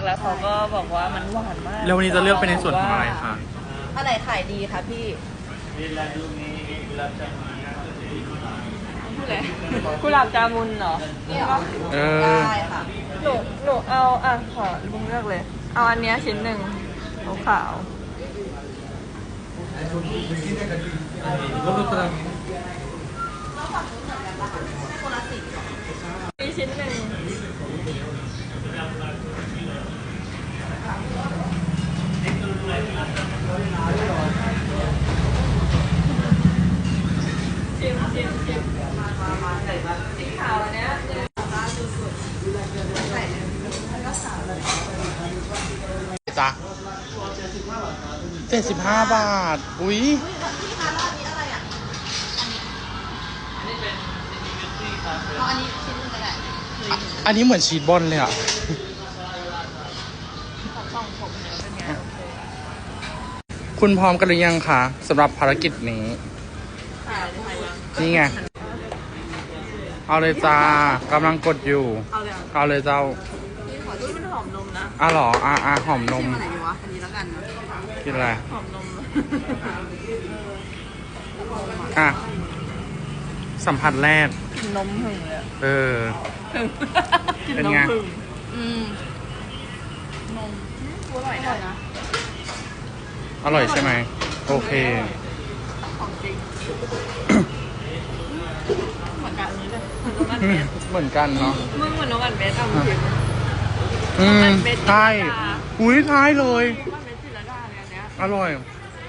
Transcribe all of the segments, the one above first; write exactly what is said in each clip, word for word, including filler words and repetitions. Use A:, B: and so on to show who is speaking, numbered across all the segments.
A: แล้วเขาก็บอกว่ามันหวานมาก
B: แล้ววันนี้จะเลือกเป็นในส่วนของอะไรคะ
A: อะไรขายดีคะพี่กุหลาบจามุนเหรอ
B: เออ
A: ได้ค่ะหนูหนูเอาอ่ะขอลุงเลือกเลยเอาอันเนี้ยชิ้นหนึ่งขาวมีชิ้นหนึ่งชิมชิมชิมสีขาวอันเนี้ย
B: จ้ะเจ็ดสิบห้าบาทอุ้ย
A: อันนี้ชิ้นนึงก็ได้
B: อันนี้เหมือนชีสบอลเลยอ่ะคุณพร้อมกันหรือยังคะสำหรับภารกิจนี้นี่ไงเอาเลยจ้ากำลังกดอยู่เอาเลยเจ้า
A: ขอที่มันหอมนมนะ
B: อ่ะหรออ่ะอ่ะหอมนม
A: อะไรดีวะอันนี้แล้วกันนะ
B: กินอะไร
A: หอมนม
B: อ่ะสัมผัสแรก
A: กินนมหึ่งเลย
B: เออเป็นไง
A: อืมนมอร่อยนะ
B: อร่อยใช่ไหมโอเค
A: ของจริงเหมือนกันนี้เลย
B: เหมือนกันเนาะ
A: มึงเหมือนน้องอันเบสเอาจริง
B: อืมใช่อุ้ยใช่เลยอร่อย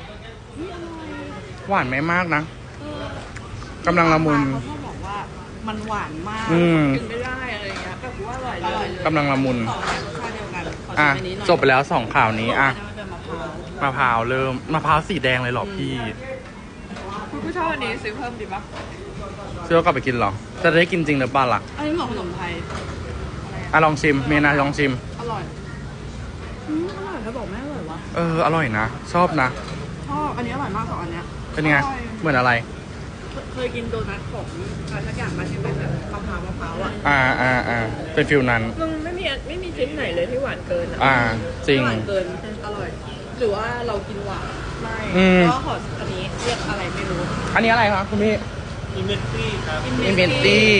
B: หวานไม่มากนะกำลังละมุน
A: เขาบอกว่ามันหวานมากกินไม่ได้อะไรเงี้ยแต่ว่าอร่อยเลย
B: กำลังละมุน
A: รสชาติเดียวกัน
B: อ่ะจบไปแล้วสองข่าวนี้อ่ะมะพร้าวเริ่มมะพร้าวสีแดงเลยหรอพี่
A: คุณผู้ชอบอันนี้ซื้อเพิ่มดีปะ
B: ซื้อกลับไปกินหรอจะได้กินจริงหรือเปล่าล่ะ
A: อันนี้เหมือนขนมไทย
B: อ่ะลองชิมเมนาลองชิม
A: อร่อยอืมอร่อยเขาบอกไม่อร่อยวะ
B: เอออร่อยนะชอบนะ
A: ชอบอันนี้อร่อยมากกว่าอันเนี้ย
B: เป็นไงเหมือนอะไร
A: เคยกินโดนัทของอะไรสักอย่างมาที่เป็นแบบมะพร้าวมะพร้าวอ่ะ
B: อ่าอ่าอ่าเป็นฟิลนั้น
A: มึงไม่มีไม่มีชิ้นไหนเลยที่หวานเกิน
B: อ่าจริง
A: หวานเกินอร่อยหรือว่าเรากินหวานไม่ก็ขออันนี้เรียกอะไรไม่รู้
B: อันนี้อะไรครับคุณพี่
C: อินเมนตี้ครับ
B: อินเมนตี้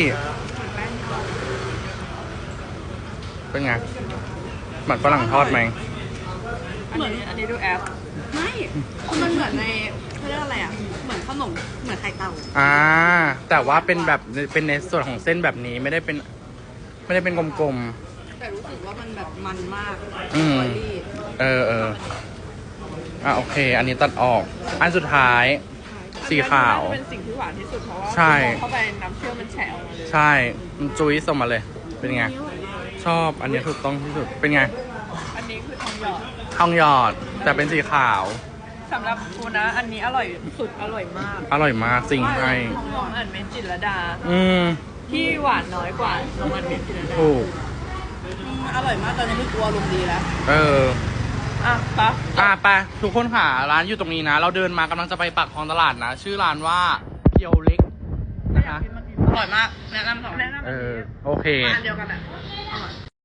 B: เป็นไงเหมือนฝรั่งทอดไหม
A: เหมือนอันนี้ดูแอปไม่มันเหมือนในเขาเรียกอะไรอ่ะเหมือนขนมเหมือนไข่เต่า
B: อ่าแต่ว่าเป็นแบบเป็นในส่วนของเส้นแบบนี้ไม่ได้เป็นไม่ได้เป็นกลม
A: ๆแต่รู้สึกว่ามันแบบมันมาก
B: อืมเออเอออ่ะโอเคอันนี้ตัดออกอันสุดท้ายสีขาว
A: เป็นสิ่งที่หวานที่สุดเพราะว่า
B: ใช่
A: เข้าไปน้ำเชื่อมมันแฉะออกมาเลย
B: ใช่มันจุ้ยส่งมาเลยเป็นไงชอบอันนี้ถูกต้องที่สุดเป็นไง
A: อันนี้คือทองหยอด
B: ทองหยอดแต่เป็นสีขาว
A: สำหรับกูนะอันนี้อร่อยสุดอร่อยมาก
B: อร่อยมากจริงให้
A: ทองหยอดอันเมจิรดา
B: อืม
A: ที่หวานน้อยกว่าน้องอันเมจิรดา
B: ถูก
A: อร่อยมากตอนนี้ไม่กลัวลมดีแล้ว
B: เออ
A: อ่ะปะ
B: อ่ะไปทุกคนค่ะร้านอยู่ตรงนี้นะเราเดินมากำลังจะไปปากคลองตลาดนะชื่อร้านว่าเกียวเล็กนะคะ
A: อร่อยมากแนะนำสองแนะนำ
B: เออโอเค
A: ร้านเดียวกันอ่ะอร่อย